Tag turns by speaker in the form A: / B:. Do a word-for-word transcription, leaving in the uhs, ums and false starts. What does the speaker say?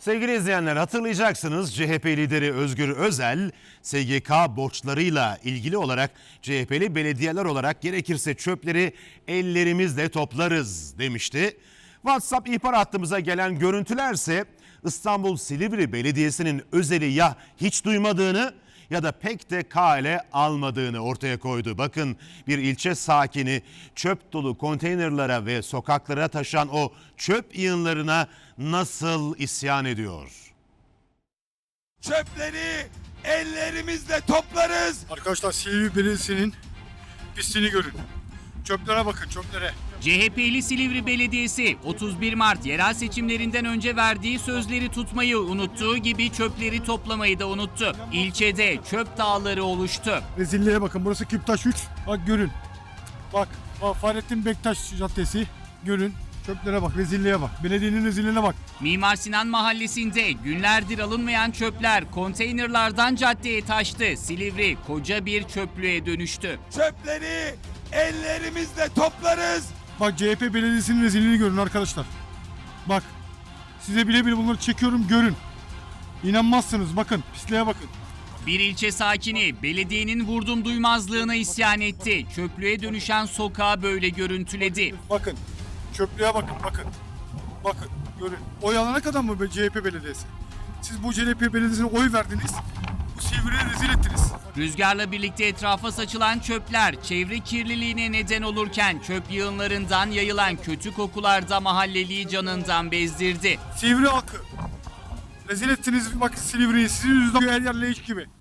A: Sevgili izleyenler, hatırlayacaksınız C H P lideri Özgür Özel S G K borçlarıyla ilgili olarak C H P'li belediyeler olarak gerekirse çöpleri ellerimizle toplarız demişti. WhatsApp ihbar hattımıza gelen görüntülerse İstanbul Silivri Belediyesi'nin Özel'i ya hiç duymadığını ya da pek de kale almadığını ortaya koydu. Bakın, bir ilçe sakini çöp dolu konteynerlara ve sokaklara taşan o çöp yığınlarına nasıl isyan ediyor?
B: Çöpleri ellerimizle toplarız.
C: Arkadaşlar, Silivri Belediyesi'nin pisliğini görün. Çöplere bakın, çöplere.
D: C H P'li Silivri Belediyesi otuz bir Mart yerel seçimlerinden önce verdiği sözleri tutmayı unuttuğu gibi çöpleri toplamayı da unuttu. İlçede çöp dağları oluştu.
C: Rezilliğe bakın, burası Küptaş üç. Bak görün. Bak, bak Fahrettin Bektaş Caddesi. Görün. Çöplere bak, rezilliğe bak. Belediyenin rezilliğine bak.
D: Mimar Sinan Mahallesi'nde günlerdir alınmayan çöpler konteynerlardan caddeye taştı. Silivri koca bir çöplüğe dönüştü.
B: Çöpleri ellerimizle toplarız.
C: Bak, C H P Belediyesi'nin rezilliğini görün arkadaşlar. Bak, size bile bile bunları çekiyorum, görün. İnanmazsınız, bakın, pisliğe bakın.
D: Bir ilçe sakini belediyenin vurdum duymazlığına isyan etti. Çöplüğe dönüşen sokağı böyle görüntüledi.
C: Bakın, çöplüğe bakın, bakın. Bakın, görün. Oy alana kadar mı be C H P Belediyesi? Siz bu C H P Belediyesi'ne oy verdiniz. Bu Silivri'yi rezil ettiniz.
D: Rüzgarla birlikte etrafa saçılan çöpler çevre kirliliğine neden olurken çöp yığınlarından yayılan kötü kokular da mahalleliyi canından bezdirdi.
C: Silivri halkı. Rezil ettiniz, bak Silivri'yi. Sizin yüzünden her yer leş gibi.